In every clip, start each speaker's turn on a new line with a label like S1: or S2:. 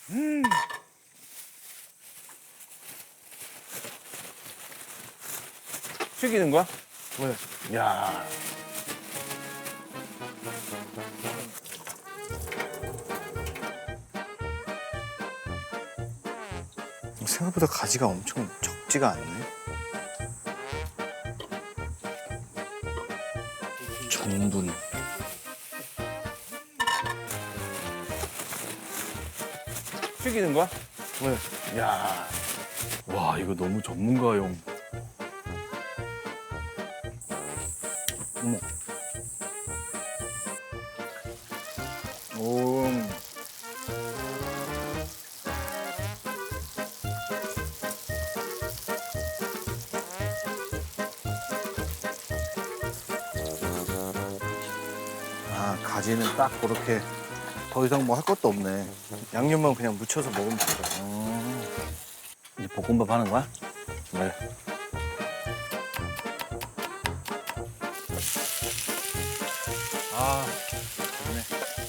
S1: 튀기는 거야?
S2: 네.
S1: 야.
S2: 생각보다 가지가 엄청 적지가 않네. 전분.
S1: 튀기는 거야?
S2: 네.
S1: 야. 와, 이거 너무 전문가용.
S2: 어머. 오. 아, 가지는 딱 그렇게 더 이상 뭐 할 것도 없네. 양념만 그냥 묻혀서 먹으면 되잖아.
S1: 이제 볶음밥 하는 거야? 네.
S2: 아, 좋네.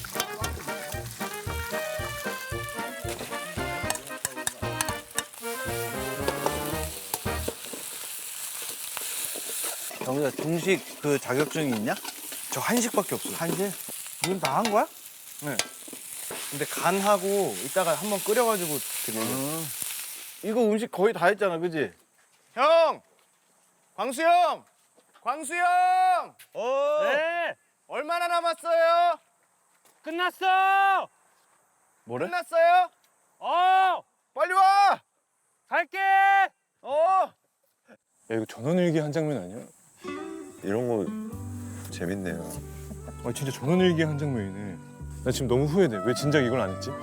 S2: 정우야, 중식 그 자격증이 있냐? 저 한식밖에 없어요. 한식?
S1: 이건 다 한 거야?
S2: 네. 근데 간하고 이따가 한번 끓여가지고 드리는.
S1: 이거 음식 거의 다 했잖아, 그지?
S2: 형! 광수 형! 광수 형!
S3: 네,
S2: 얼마나 남았어요?
S3: 끝났어.
S1: 뭐래?
S2: 끝났어요? 빨리 와!
S3: 갈게.
S2: 어!
S4: 야, 이거 전원일기 한 장면 아니야?
S5: 이런 거 재밌네요.
S4: 아, 진짜 전원일기 한 장면이네. 나 지금 너무 후회돼. 왜 진작 이걸 안 했지?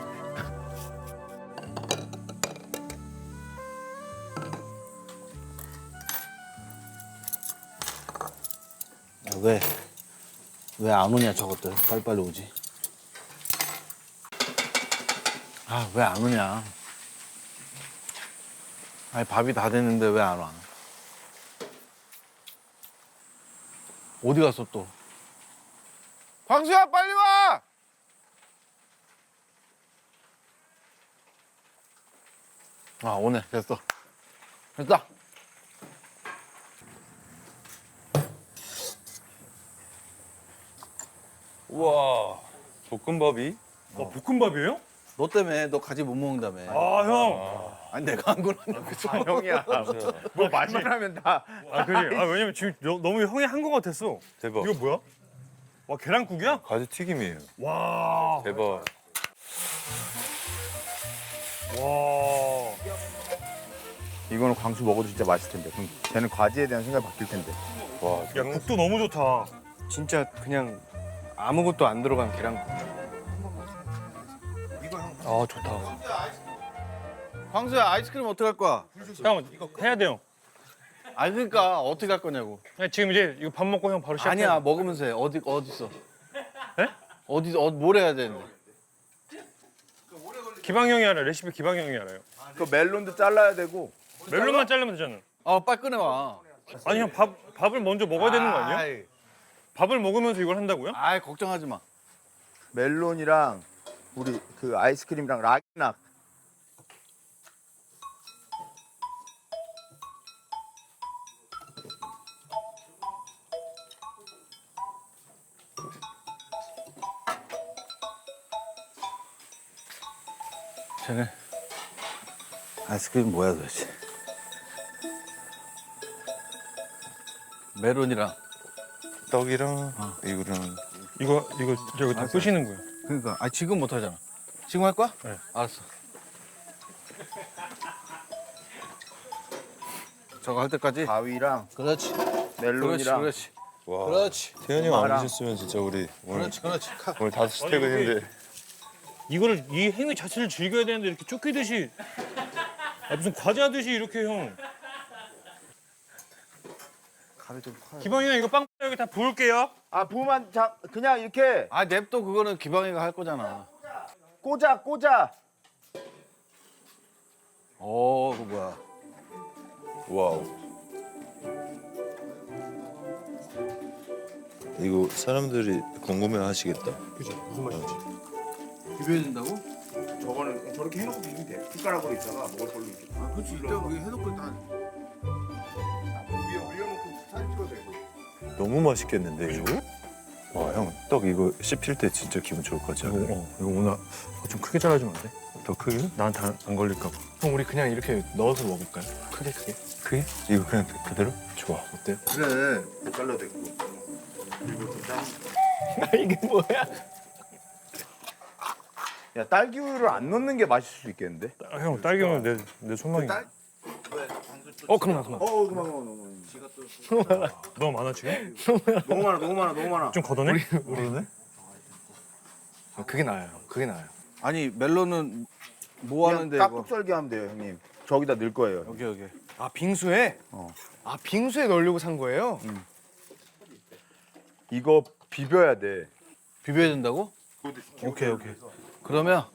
S2: 왜 안 오냐, 저것들. 빨리빨리 오지. 아, 왜 안 오냐. 아니, 밥이 다 됐는데 왜 안 와? 어디 갔어, 또? 광수야, 빨리 와! 아, 오네. 됐어. 됐다.
S5: 우와, 볶음밥이?
S4: 볶음밥이에요?
S2: 너 때문에 너 가지 못 먹는다며.
S4: 아, 형.
S2: 아니, 내가 한 거라니까.
S1: 형이야. 뭐 말만 하면 다.
S4: 아, 그지? 아, 왜냐면 지금 너무 형이 한 거 같았어.
S5: 대박.
S4: 이거 뭐야? 와, 계란국이야?
S5: 가지 튀김이에요.
S4: 와.
S5: 대박.
S4: 와.
S1: 이거는 광수 먹어도 진짜 맛있을 텐데. 그럼 쟤는 과지에 대한 생각이 바뀔 텐데.
S5: 와,
S4: 야, 국도 너무 좋다.
S2: 진짜 그냥 아무것도 안 들어간 계란국.
S4: 아, 좋다.
S2: 광수야, 아이스크림 어떻게 할 거야?
S4: 형, 이거 해야 돼요.
S2: 아, 그러니까 어떻게 할 거냐고.
S4: 지금 이제 이거 밥 먹고 형 바로 시작해.
S2: 아니야, 먹으면서 해. 어디 있어?
S4: 에?
S2: 뭘 해야 되는데?
S4: 기방 형이 알아. 레시피 기방 형이 알아요.
S1: 그 멜론도 잘라야 되고.
S4: 멜론만 자르면 되잖아.
S2: 빨리 꺼내와.
S4: 아니 형 밥을 먼저 먹어야 되는 거 아니야?
S2: 아이,
S4: 밥을 먹으면서 이걸 한다고요?
S2: 아이, 걱정하지 마.
S1: 멜론이랑 우리 그 아이스크림이랑 락낙.
S2: 쟤네 아이스크림 뭐야 도대체? 메론이랑.
S5: 떡이랑 이거랑
S4: 이거 저거 다 끄시는 거예요.
S2: 그러니까 지금 못 하잖아. 지금 할 거야?
S4: 네.
S2: 알았어. 저거 할 때까지.
S1: 가위랑
S2: 그렇지.
S1: 멜론이랑.
S2: 그렇지.
S5: 와.
S2: 그렇지.
S5: 태현이 형 안
S1: 엄마랑.
S5: 오셨으면 진짜 우리 오늘
S2: 그렇지.
S5: 오늘 5시 퇴근인데
S4: 이거를 이 행위 자체를 즐겨야 되는데 이렇게 쫓기듯이 무슨 과자듯이 이렇게 형.
S1: 가위 좀 커요.
S4: 기방이 형 이거 빵 여기 다 부을게요.
S1: 아 부으면 그냥 이렇게
S2: 아, 냅둬. 그거는 기방이가 할 거잖아.
S1: 꽂아.
S2: 그거 뭐야?
S5: 와우. 이거 사람들이 궁금해 하시겠다.
S4: 그죠? 무슨 맛인지.
S2: 비벼야 된다고?
S1: 저거는 저렇게 해놓고 비비면 돼. 숟가락으로 있다가 먹을 걸로 이렇게.
S2: 아, 그렇지. 이따 우리 해놓고 다
S1: 위에 올려놓고 사진 찍어도 되고.
S5: 너무 맛있겠는데 이거? 와 형 떡 이거 씹힐 때 진짜 기분 좋을 것 같지 않아요?
S4: 이거 오늘 좀 크게 잘라주면 안 돼?
S5: 더 크게?
S4: 나한테 안 걸릴까 봐.
S6: 형 우리 그냥 이렇게 넣어서 먹을까요? 크게 크게.
S5: 크게? 이거 그냥 그대로?
S6: 좋아. 어때요?
S1: 그래. 못 잘라도 되고. 그리고 좀 짠.
S6: 이게 뭐야?
S1: 야 딸기 우유를 안 넣는 게 맛있을 수 있겠는데?
S4: 형 딸기는 내 손망이
S6: 그만.
S1: 그만.
S4: 너무 많아 지금?
S1: 너무 많아.
S4: 좀 걷어내?
S6: 그게 나아요. 그게 나아요.
S2: 아니 멜론은 뭐
S1: 그냥
S2: 하는데 이거?
S1: 깍둑 썰기 하면 돼요, 형님. 저기다 넣을 거예요.
S2: 여기.
S6: 아 빙수에?
S1: 어.
S6: 아 빙수에 넣으려고 산 거예요?
S1: 이거 비벼야 돼.
S2: 비벼야 된다고? 오케이. 그러면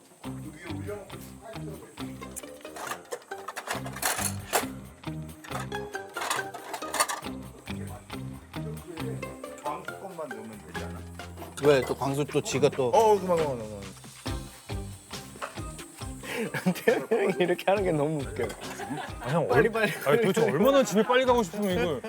S1: 광수껌만 넣으면 되잖아.
S2: 왜 또 광수 또 지가 또
S1: 그만.
S6: 형이 이렇게 하는 게 너무 웃겨요.
S4: 형
S6: 빨리.
S4: 아니 도대체 얼마나 집에 빨리 가고 싶으면 이걸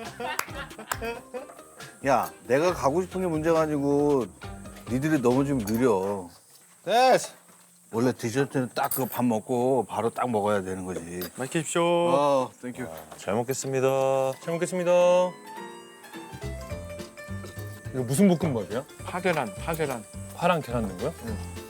S2: 야, 내가 가고 싶은 게 문제가 아니고 니들이 너무 좀 느려. 됐어. 원래 디저트는 딱 그 밥 먹고 바로 딱 먹어야 되는 거지.
S4: 맛있게 드십시오.
S2: 땡큐.
S5: 잘 먹겠습니다.
S4: 잘 먹겠습니다. 이거 무슨 볶음밥이야?
S6: 파계란.
S4: 파랑 계란 넣은 거야?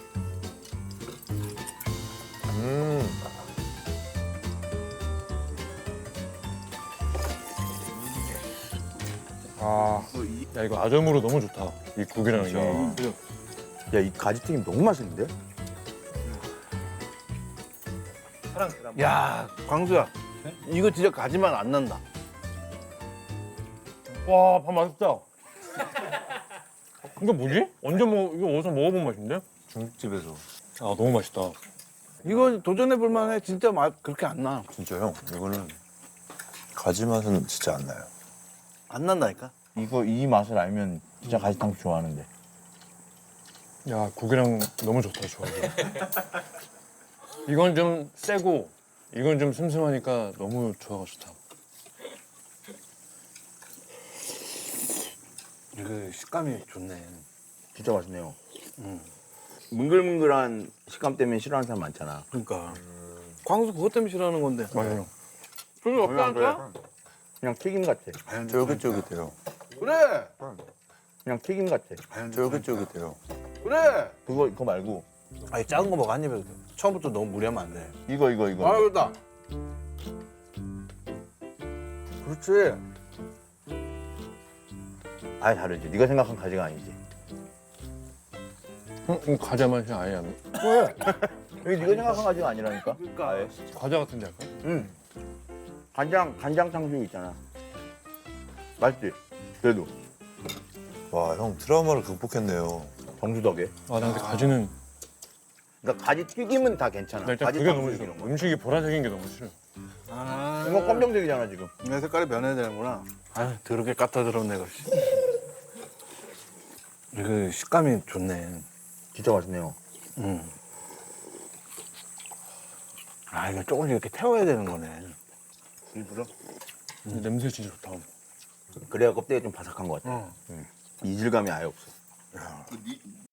S4: 야 이거 아점으로 너무 좋다. 이 국이랑 이게.
S1: 야, 이 가지튀김 너무 맛있는데?
S2: 야, 광수야. 이거 진짜 가지만 안 난다.
S4: 와, 밥 맛있다. 이거 뭐지? 언제 이거 어디서 먹어본 맛인데?
S5: 중국집에서.
S4: 아 너무 맛있다.
S2: 이거 도전해 볼 만해. 진짜 맛 그렇게 안 나.
S5: 진짜 형 이거는 가지 맛은 진짜 안 나요.
S2: 안 난다니까.
S1: 이거 이 맛을 알면 진짜 가지탕 좋아하는데.
S4: 야 국이랑 너무 좋다 좋아. 이건 좀 세고 이건 좀 슴슴하니까 너무 좋아 좋다.
S2: 이거 식감이 좋네.
S1: 진짜 맛있네요. 뭉글뭉글한 식감 때문에 싫어하는 사람 많잖아.
S2: 그러니까. 광수 그것 때문에 싫어하는 건데.
S4: 맞아요.
S2: 별로 없다니까?
S1: 그냥 튀김 같아.
S5: 쫄깃쫄깃해요.
S2: 그래.
S1: 그냥 튀김 같아.
S5: 쫄깃쫄깃해요.
S2: 그래.
S1: 그거 말고
S2: 아니 작은 거 먹어 한 입에. 처음부터 너무 무리하면 안 돼.
S1: 이거.
S2: 아, 그렇다. 그렇지.
S1: 아예 다르지. 네가 생각한 가지가 아니지.
S4: 과자 맛이 아예 안.
S1: 여기 네가 생각한 가지가 아니라니까.
S2: 그러니까.
S1: 아예.
S4: 과자 같은데 약간?
S1: 응. 간장 탕수육 있잖아. 맛있지? 그래도
S5: 와 형 트라우마를 극복했네요.
S1: 정수 덕에.
S4: 아, 나 근데 가지는
S1: 그러니까 가지 튀김은 다 괜찮아.
S4: 나 일단
S1: 가지
S4: 그게 너무
S1: 탕수육
S4: 싫어.
S1: 이런 거.
S4: 음식이 보라색인 게 너무 싫어.
S2: 아.
S1: 이거 검정색이잖아 지금.
S2: 내 색깔이 변해야 되는구나. 아, 더럽게 갖다 들었네, 그. 이거 식감이 좋네.
S1: 진짜 맛있네요.
S2: 아, 이거 조금씩 이렇게 태워야 되는 거네. 일부러?
S4: 냄새 진짜 좋다.
S1: 그래야 껍데기가 좀 바삭한 것 같아. 이질감이 아예 없어.